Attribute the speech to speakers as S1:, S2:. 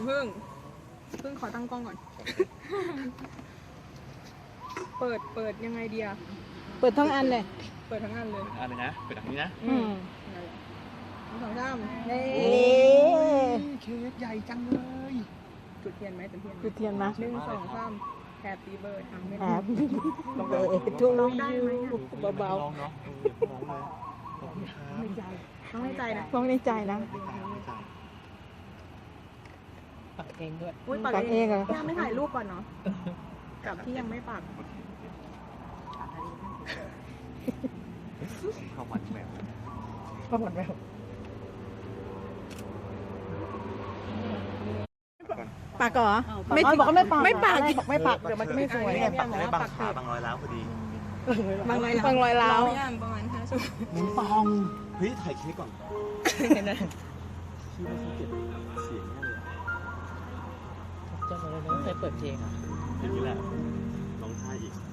S1: เพิ่งขอตั้งกล้องก่อน เปิดยังไงดีอะ
S2: เปิดทั้งอันเลย
S1: เปิดทั้งอันเลย
S3: อะไรนะเปิดทางนี้นะ
S1: นั่นแหละ1 2 3เย้
S3: เค้กใหญ่จังเลย
S1: จุดเทียนไหมจุดเทียน
S2: จุดเทียนนะ
S1: 1 2 3 Happy birthday ไม่
S2: แอ
S1: ได้
S2: บทุลูยูเบา
S3: ลองเนาะลองเลยลองครับ
S1: ต้องให้ใจนะ
S2: ๆต้องในใจนะ
S4: ปักเองด้วย
S1: อุ้ย
S2: ปักเองเหรอ
S1: ย่าไม่ถ่ายรูปก่อนเนาะกับที่ยังไม่ปัก
S3: ข้าวมันแมว
S4: ก็หมดแล้ว
S2: ปักเหรอ
S4: ไม่บอกก็ไม่ปัก
S2: ไม่ปัก
S4: บอกไม่ปักเดี๋ยวมันจะไม่สวย
S3: เนี่ยปักได้บางขาบางรอยร้าวพอดี
S1: บางรอย
S2: บางรอยร้าว
S1: ย่างประมาณ5 ชั่วโมง
S3: หมุนปองเฮ้ยถ่ายเค้กก่อน
S4: เห็นไหม
S3: ชื่อว่าเขาเก็บเสียงแน่เลย
S4: จำเลยนะเคยเปิดเพลงอ่ะ
S3: อย่างนี้แหละลองทายอีก